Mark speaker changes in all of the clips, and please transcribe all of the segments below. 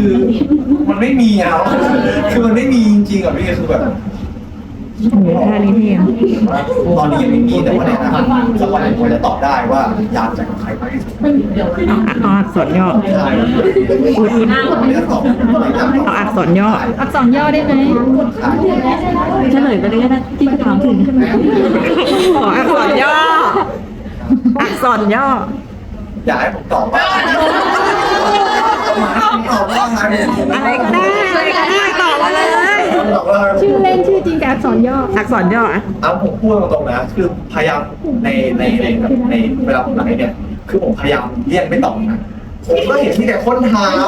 Speaker 1: คือมันไม่มีอ่ะคือมันไม่มีจริงๆอ่ะพี่คือแบบ
Speaker 2: โอ้โหท่านี้เท่อะ
Speaker 1: ตอนนี้ยังไม่มีแต่ว่าในอนาคตสักวันหนึ่งผมจะตอบได้ว่าอยากจะกับใครมากที่สุด
Speaker 2: เอาอักษรย่อ
Speaker 1: ใช่ไม่ได้ตอบไม่ได้ตอบ
Speaker 2: เอาอักษรย่อ
Speaker 3: อักษรย่อได้ไหม
Speaker 4: เฉลยไปเลยก็ได้ที่ถามถึง
Speaker 2: ขออักษรย่อ อักษรย่อ
Speaker 1: อยากให้ผมตอบว่าตอบว่าอะไร
Speaker 2: อะไรก็ได้อะไรก็ได้ตอบมาเลย
Speaker 1: ตอบว่า
Speaker 3: ชื่อเล่นชื่อจริงแต่อักษรย่อ
Speaker 2: อักษรย่ออะ
Speaker 1: เอาผมพูดตรงๆนะคือพยายามในเวลาผมไลฟ์เนี่ยคือผมพยายามเลี่ยงไม่ตอบนะผมก็เห็นมีแต่คนถาม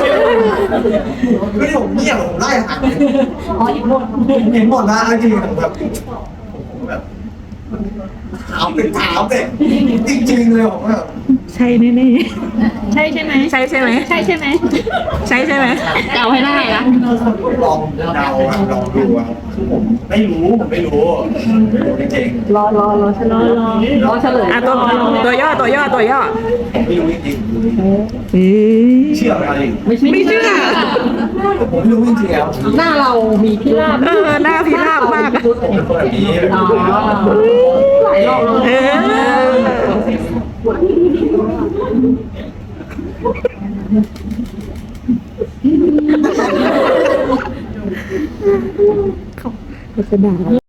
Speaker 1: ไม่ได้ผมเงียบผมไล่หาเห็นหมดนะจริงๆผมแบบถามเป็นถามเลยจริงๆเลยผมแบบ
Speaker 2: ใช่แน่
Speaker 3: ใช่ใช่ไหม
Speaker 2: ๆใช่ใช่ไหม
Speaker 3: ใช่ใช่ไหม
Speaker 2: ใช่ใช่ไหม
Speaker 4: เดาให้ได้นะ
Speaker 1: ลองเดาอะลองดูอะคือผมไม่รู้จริง
Speaker 4: รอเฉลย
Speaker 2: อ่ะตัวย่อตัวย่อตัวย่อ
Speaker 1: ๆผมไม่รู้จริง
Speaker 2: เฮ้ย
Speaker 1: ๆเชื่อไหมอะไร
Speaker 2: ไม่เชื่อ
Speaker 1: ผมไม่รู้จริงๆแล้ว
Speaker 4: หน้าเรามีพิราบ
Speaker 2: หน้าพิราบมากอะ
Speaker 1: ผมเป็นคนแบบนี้
Speaker 4: หลายรอบแล้ว
Speaker 2: เออเขาจะด่า